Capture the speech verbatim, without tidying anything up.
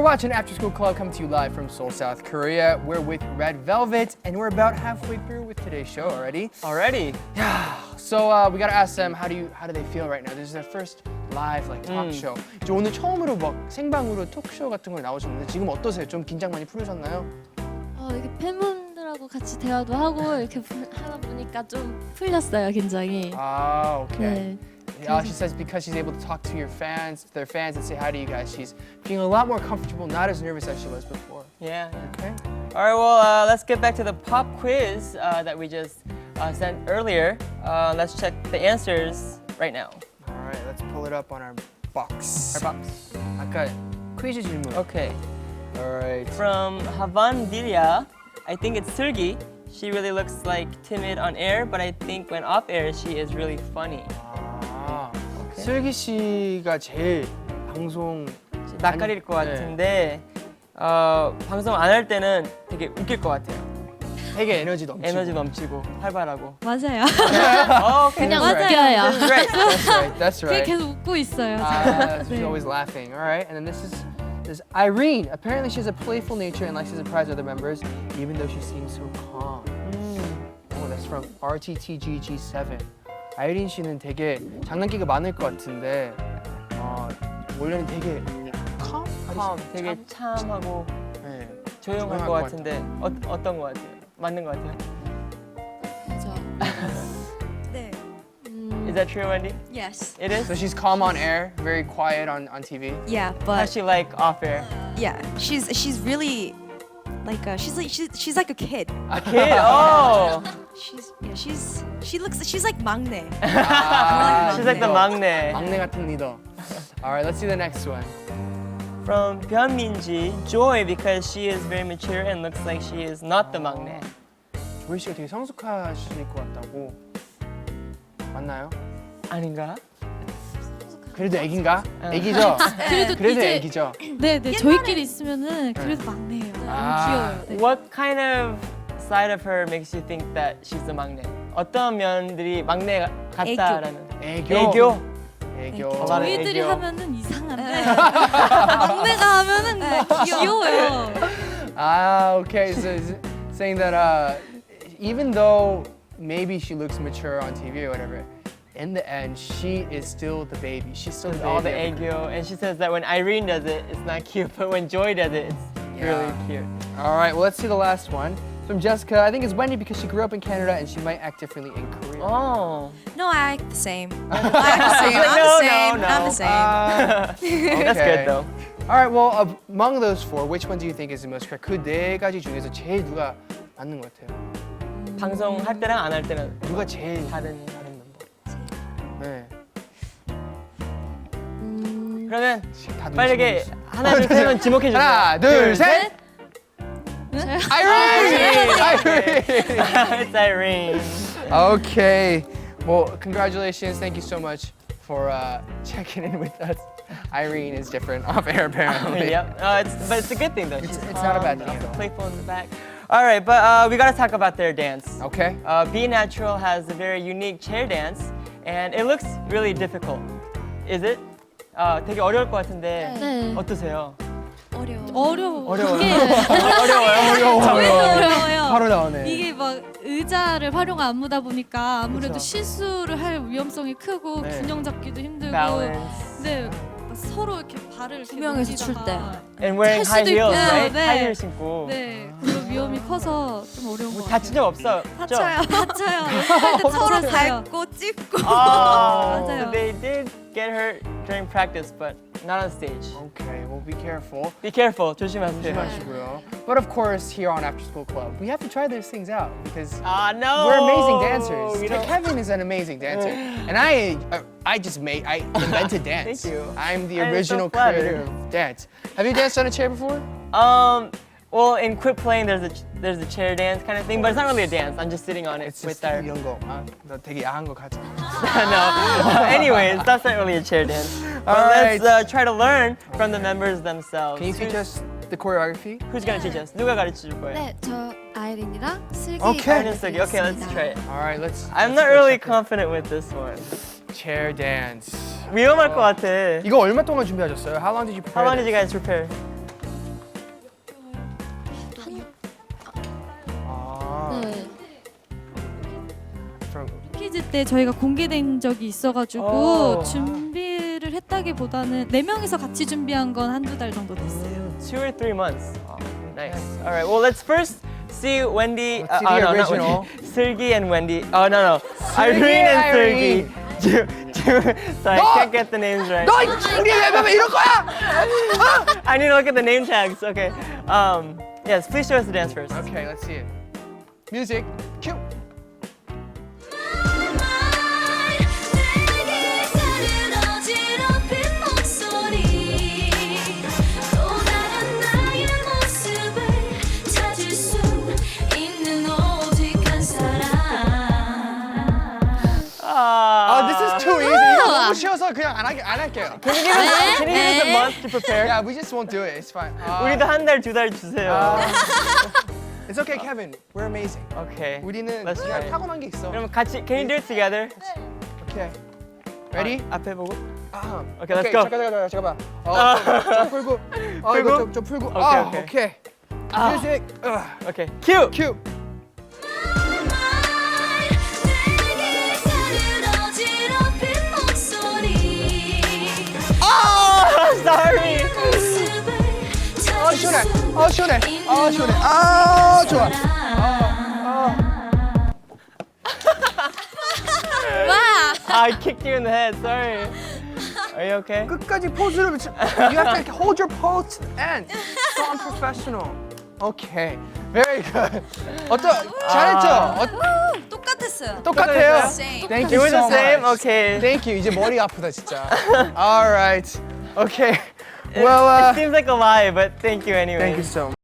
watching After School Club coming to you live from Seoul, South Korea. We're with Red Velvet, and we're about halfway through with today's show already. Already? Yeah. So uh, we gotta ask them how do you how do they feel right now? This is their first live like talk 음. show. 이제 오늘 처음으로 막 생방으로 토크쇼 같은 걸 나오셨는데 지금 어떠세요? 좀 긴장 많이 풀으셨나요? 어, 이렇게 팬분들하고 같이 대화도 하고 이렇게 부- 하다 보니까 좀 풀렸어요, 긴장이. Ah, okay. 네. Uh, she says because she's able to talk to your fans, their fans, and say hi to you guys, she's feeling a lot more comfortable, not as nervous as she was before. Yeah. yeah. Okay. All right, well, uh, let's get back to the pop quiz uh, that we just uh, sent earlier. Uh, let's check the answers right now. All right, let's pull it up on our box. Our box. 아까 퀴즈 질문. Okay. All right. From Havan Dilia, I think it's Sergi. She really looks like timid on air, but I think when off air, she is really funny. 아, 슬기 씨가 제일 방송 낯가릴 것 네. 같은데 어, 방송 안 할 때는 되게 웃길 것 같아요. 되게 에너지 넘치고. 에너지 넘치고 활발하고. 맞아요. 어, 그냥 right. 웃겨요. That's right. That's right. That's 그냥 right. 계속 웃고 있어요. Uh, she's 네. always laughing. All right, and then this is this is Irene. Apparently, she has a playful nature and likes to surprise other members, even though she seems so calm. Oh, that's from R T T G G seven. 아이린 씨는 되게 장난기가 많을 것 같은데 어, 원래는 되게 calm? calm, 되게 참하고 네. 조용한 조용할 것 것 같은데 어, 어떤 것 같아요? 맞는 것 같아요? 그죠. 네. Is that true, Wendy? Yes. It is? So she's calm on air, very quiet on, on T V. Yeah, How's but she like off air? yeah, she's she's really like a, she's like she's she's like a kid. A kid? Oh! She's yeah, she's she looks she's like 막내. 아, She's like the 막내. 막내 같은 리더. All right, let's see the next one. From 변민지, Joy because she is very mature and looks like she is not the 막내. 조이 씨가 되게 성숙하실 것 같다고. 맞나요? 아닌가? 그래도 애기인가? 어. 애기죠? 그래도 그래도 이제 애기죠? 네, 네. 저희끼리 있으면은 그래도 막내예요. 아. 너무 귀여워요. 네. What kind of side of her makes you think that she's the 막내? 어떤 면들이 막내 같다라는? 애교. 애교. 애교. 저희들이 애교. 하면은 이상한데 막내가 하면은 뭐 귀여워요. Ah, okay. So is it saying that uh, even though maybe she looks mature on T V or whatever, in the end she is still the baby. She's still the There's baby. all the of the group. 애교, and she says that when Irene does it, it's not cute, but when Joy does it, it's really Yeah. cute. All right. Well, let's see the last one from Jessica. I think it's Wendy because she grew up in Canada and she might act differently in Korea. Oh, No, I act the same. I act the same. I'm No, the no, same. no. I'm the same. Uh, that's okay. good though. All right. Well, among those four, which one do you think is the most correct? 그 네 가지 중에서 제일 누가 맞는 것 같아요? 방송 할 때랑 안 할 때는 누가 제일 다른 다른 멤버. 네. 그러면 다 눈치 빠르게 보고 하나 둘 셋은 지목해 주세요. 하나, 둘, 셋. Irene! Irene! It's Irene. Okay. Well, congratulations. Thank you so much for uh, checking in with us. Irene is different off air apparently. Yep. Uh, it's, but it's a good thing though. It's- She's it's not a bad calm, thing at also all. Playful in the back. All right, but uh, we gotta talk about their dance. Okay. Uh, Be Natural has a very unique chair dance, and it looks really difficult. Is it? 어, 되게 어려울 것 같은데 네. 어떠세요? 어려워. 어려워. 어려워요? 이게 어려워. 저희도 어려워요. 바로 나오네. 이게 막 의자를 활용 안무다 보니까 아무래도 그쵸. 실수를 할 위험성이 크고 네. 균형 잡기도 힘들고 Balance. 네 막 서로 이렇게 발을 두 이렇게 명이서 출 넘기다가 And wearing 할 high 수도 heels, 있고요. right? 네. high heels 신고. 네 그런 위험이 커서 좀 어려운 것 다친 같아요. 적 없어? 다쳐요. 다쳐요. 할때 서로 다쳤어요. 밟고 찝고. Oh, 맞아요. so they did get hurt during practice, but not on stage. Okay. Well, be careful. Be careful. 조심하세요. 조심하시고요. But of course, here on After School Club, we have to try these things out because Ah, no. we're amazing dancers. We don't- Kevin is an amazing dancer, and I, uh, I just made, I invented dance. Thank you. I'm the I'm so original flattered. creator of dance. Have you danced on a chair before? Um, well, in Quit Playing, there's a there's a chair dance kind of thing, but it's not really a dance. I'm just sitting on it It's with just our. 이런 거. 아, 너 되게 야한 거 같아. No. Anyways, that's not really a chair dance. But All right. let's uh, try to learn from the members themselves. Can you teach us the choreography? Who's gonna teach us? 누가 가르쳐 줄 거예요? 네, 저 아이린이랑 슬기 Okay. Irene, Sergi. Okay, let's try it. All right, let's. I'm let's not go really check it. confident with this one. Chair dance. 위험할 것 같아. 이거 얼마 동안 준비하셨어요? How long did you prepare? How long did this? you guys prepare? 때 저희가 공개된 적이 있어가지고 오. 준비를 했다기보다는 네 명이서 같이 준비한 건 한두 달 정도 됐어요. Two or three months. Nice. All right. Well, let's first see Wendy. Let's see uh, the oh, no, not original. Wendy. Sergey and Wendy. Oh no no. Irene and Sergey. Ju- Ju- Sorry, No! I can't get the names right. 너 우리 왜 이럴 거야? I need to look at the name tags. Okay. Um. Yes. Please show us the dance first. Okay, let's see it. Music, cue. Ah. Oh, this is too easy. 이거 너무 쉬워서 그냥 안, 할, 안 할게요. Can you give us, can you give us a 네. month to prepare? Yeah, we just won't do it. It's fine. 아, 우리도 한 달, 두 달 주세요. 아, it's okay, Kevin. We're amazing. Okay. 우리는 Let's 그냥 try. 타고난 게 있어. 그럼 같이, can you do it together? Okay. Ready? 아, 앞에 보고. 아, Okay, let's go. 잠깐 잠깐 잠깐만. 어, 아. 좀, 좀 풀고. 어, 이거 풀고? 좀, 좀 풀고. 오케이, 아, 오케이. 오케이. 아. Music. 어, Okay. Cue. cue. Oh, sorry. 아, 시원해. 아, 시원해. 아, 시원해. 아, 좋아. I kicked you in the head. Sorry. Are you okay? 끝까지 포즈를 붙여. You have to hold your pose to the end. So unprofessional. Okay. Very good. 어떠? 잘했죠? 어, 똑같았어요. 똑같아요. Same. Thank It you was so the same. much. Okay. Thank you. 이제 머리 아프다 진짜. All right. Okay. It- Well, it uh, seems like a lie, but thank you anyway. thank you so much.